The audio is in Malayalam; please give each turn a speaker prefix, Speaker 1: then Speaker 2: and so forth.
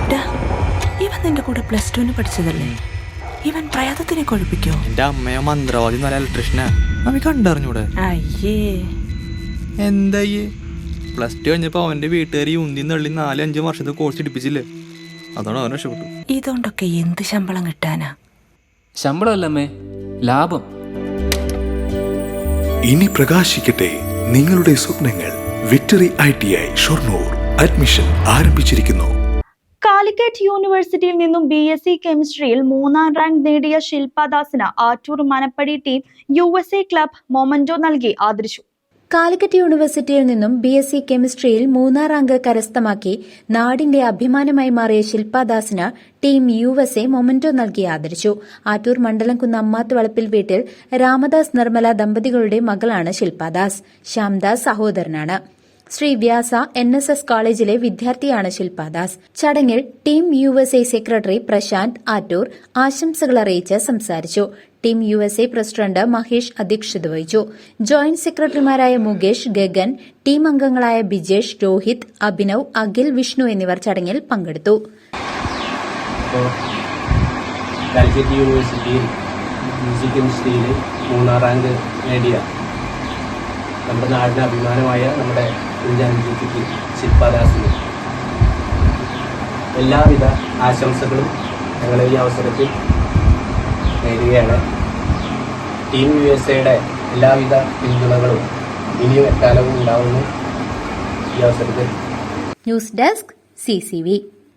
Speaker 1: ഇവൻ നിന്റെ കൂടെ +2 പഠിച്ചതല്ലേ? ഇവൻ പ്രയാതത്തിനെ കൊഴിപ്പിക്കോ?
Speaker 2: എന്റെ അമ്മയോ മന്ത്രവാദി നല്ല ഇലക്ട്രീഷ്യനാ. അവൻ കണ്ടറിഞ്ഞൂടെ?
Speaker 1: അയ്യേ
Speaker 2: എന്തായേ +2 കഴിഞ്ഞപ്പോ അവന്റെ വീട്ടുകാരി ഉന്തി നള്ളി 4-5 വർഷത്തെ കോഴ്സ് എടുപ്പിച്ചില്ലേ? അതാണ് അവൻ രക്ഷപ്പെട്ടു.
Speaker 1: ഇതുകൊണ്ടൊക്കെ എന്ത് ശമ്പളം കിട്ടാനാ?
Speaker 3: ശമ്പളമല്ലമ്മേ, ലാഭം.
Speaker 4: ഇനി പ്രകാശിക്കട്ടെ നിങ്ങളുടെ സ്വപ്നങ്ങൾ. വിക്ടറി ITI ഷൊർണൂർ അഡ്മിഷൻ ആരംഭിച്ചിരിക്കുന്നു.
Speaker 5: കാലിക്കറ്റ് യൂണിവേഴ്സിറ്റിയിൽ നിന്നും BSc കെമിസ്ട്രിയിൽ 3ാം റാങ്ക് നേടിയ ശില്പദാസിന് Attoor Manappadi team USA club memento നൽകി ആദരിച്ചു.
Speaker 6: കാലിക്കറ്റ് യൂണിവേഴ്സിറ്റിയിൽ നിന്നും BSc കെമിസ്ട്രിയിൽ 3ാം റാങ്ക് കരസ്ഥമാക്കി നാടിന്റെ അഭിമാനമായി മാറിയ ശില്പദാസിന് ടീം USA മൊമന്റോ നൽകി ആദരിച്ചു. ആറ്റൂർ മണ്ഡലംകുന്ന് അമ്മാത്ത് വളപ്പിൽ വീട്ടിൽ രാമദാസ് നിർമ്മല ദമ്പതികളുടെ മകളാണ് ശില്പദാസ്. ശ്യാംദാസ് സഹോദരനാണ്. ശ്രീ വ്യാസ NSS കോളേജിലെ വിദ്യാർത്ഥിയാണ് ശില്പദാസ്. ചടങ്ങിൽ team USA secretary Prashanth Attoor ആശംസകൾ അറിയിച്ച് സംസാരിച്ചു. ടീം USA പ്രസിഡന്റ് മഹേഷ് അധ്യക്ഷത വഹിച്ചു. ജോയിന്റ് സെക്രട്ടറിമാരായ മുകേഷ്, ഗഗൻ, ടീം അംഗങ്ങളായ ബിജേഷ്, രോഹിത്, അഭിനവ്, അഖിൽ, വിഷ്ണു എന്നിവർ ചടങ്ങിൽ പങ്കെടുത്തു.
Speaker 7: കാലിക്കറ്റ് യൂണിവേഴ്സിറ്റിയിൽ BSc കെമിസ്ട്രിയിൽ 3ാം റാങ്ക് നേടിയ നമ്മുടെ നാടിന് അഭിമാനമായ നമ്മുടെ കുഞ്ഞാൻകുട്ടിക്ക് ശില്പദാസിന് എല്ലാവിധ ആശംസകളും ഞങ്ങൾ ഈ അവസരത്തിൽ നേടുകയാണ്. ടീം USAയുടെ എല്ലാവിധ പിന്തുണകളും ഇനിയും എക്കാലവും ഉണ്ടാവുന്നു ഈ അവസരത്തിൽ.
Speaker 6: News desk CCV.